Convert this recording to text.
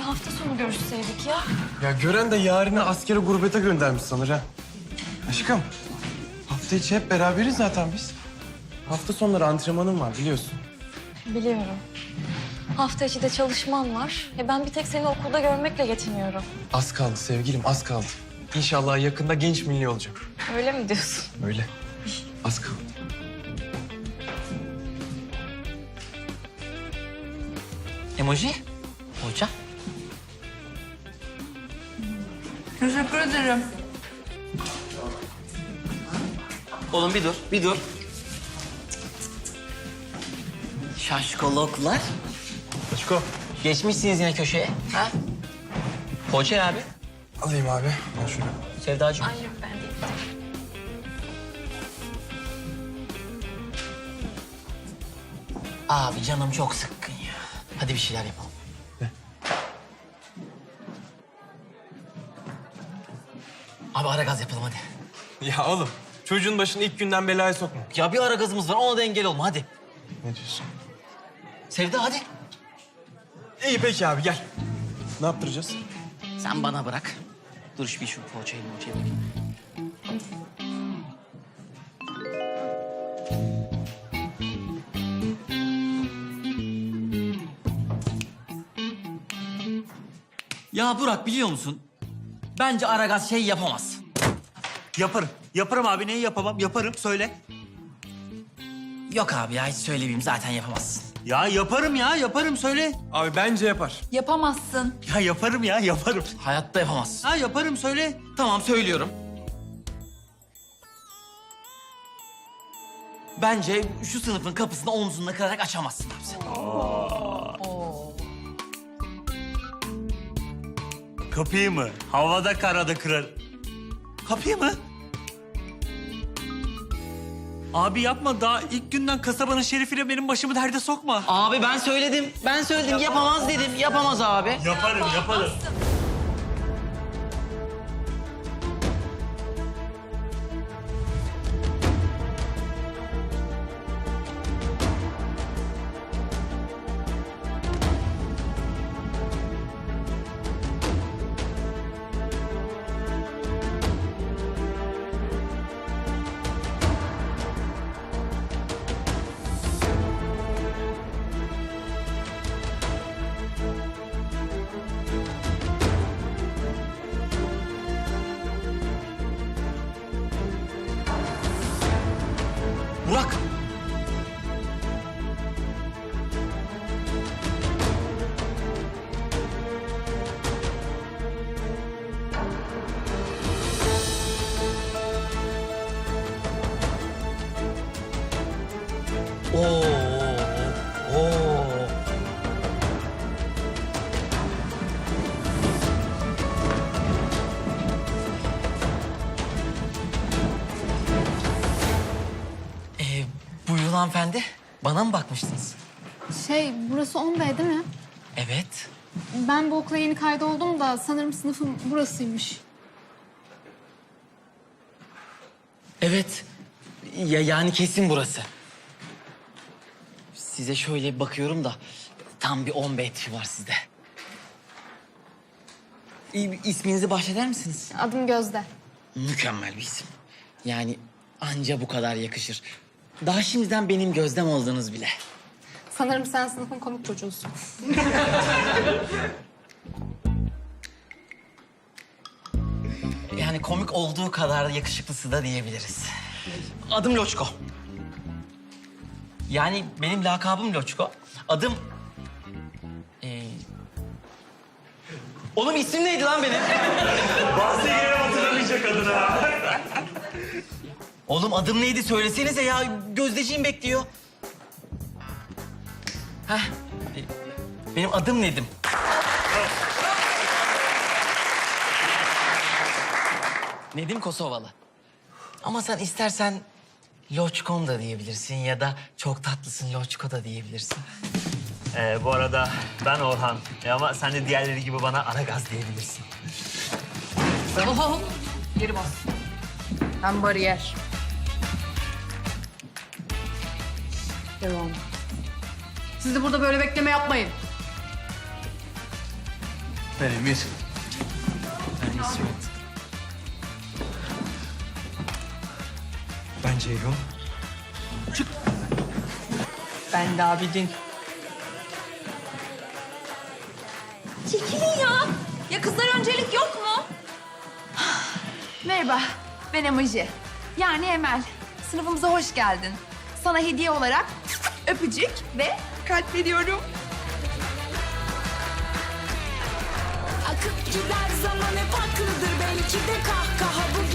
hafta sonu görüşseydik ya. Ya gören de yarını askere gurbete göndermiş sanır ha. Aşkım, hafta içi hep beraberiz zaten biz. Hafta sonları antrenmanım var biliyorsun. Biliyorum. Hafta içi de çalışmam var. Ben bir tek seni okulda görmekle yetiniyorum. Az kaldı sevgilim, az kaldı. İnşallah yakında genç milli olacak. Öyle mi diyorsun? Öyle. Az kaldı. Emoji? Hoca? Teşekkür ederim. Oğlum bir dur, bir dur. Şaşkoloklar. Aşko. Geçmişsiniz yine köşeye. Ha? Hoca abi. Alayım abi. Al şunu. Sevdacığım. Ay yok ben değil. Abi canım çok sıkkın ya. Hadi bir şeyler yapalım. Abi ara gaz yapalım hadi. Ya oğlum, çocuğun başını ilk günden belaya sokma. Ya bir ara gazımız var ona da engel olma hadi. Ne diyorsun? Sevda hadi. İyi peki abi gel. Ne yaptıracağız? Sen bana bırak. Dur şu poğaçayı bakayım. Ya Burak biliyor musun? Bence Aragaz şey yapamaz. Yaparım. Yaparım abi. Neyi yapamam? Yaparım. Söyle. Yok abi ya hiç söylemeyeyim zaten yapamazsın. Ya yaparım ya. Yaparım. Söyle. Abi bence yapar. Yapamazsın. Ya yaparım ya. Yaparım. Hayatta yapamazsın. Ha yaparım. Söyle. Tamam söylüyorum. Bence şu sınıfın kapısını omzunla kırarak açamazsın abi sen. Kapıyı mı? Havada karada kırar. Kapıyı mı? Abi yapma. Daha ilk günden kasabanın şerifiyle benim başımı derde sokma. Abi ben söyledim. Ben söyledim yapamaz dedim. Yapamaz abi. Yaparım. Yaparım. Burak. Oo. Oo. Buyurun hanımefendi. Bana mı bakmıştınız? Burası 10B değil mi? Evet. Ben bu okula yeni kaydoldum da sanırım sınıfım burasıymış. Evet. Ya yani kesin burası. Size şöyle bakıyorum da tam bir 10 tipi var sizde. İsminizi bahşeder misiniz? Adım Gözde. Mükemmel bir isim. Yani anca bu kadar yakışır. Daha şimdiden benim Gözdem oldunuz bile. Sanırım sen sınıfın komik çocuğusun. Yani komik olduğu kadar yakışıklısı da diyebiliriz. Adım Loçko. Yani benim lakabım Loçko. Adım... Oğlum isim neydi lan benim? Bazı yere hatırlamayacak adına. Oğlum adım neydi söylesenize ya. Gözdeciğim bekliyor. Heh. Benim adım Nedim. Nedim Kosovalı. Ama sen istersen Loçkom da diyebilirsin ya da çok tatlısın Loçko da diyebilirsin. Bu arada ben Orhan. Ama sen de diğerleri gibi bana Aragaz diyebilirsin. Oho. Geri bas. Ben bariyer. Devam. Siz de burada böyle bekleme yapmayın. Ben Emir. Ben İsmet. Ben Ceyhun. Ben de Abidin. Çekilin ya. Ya kızlar öncelik yok mu? Merhaba, ben Emoji. Yani Emel. Sınıfımıza hoş geldin. Sana hediye olarak öpücük ve kalp veriyorum. Akıp gider zaman hep haklıdır belki de kahkaha bu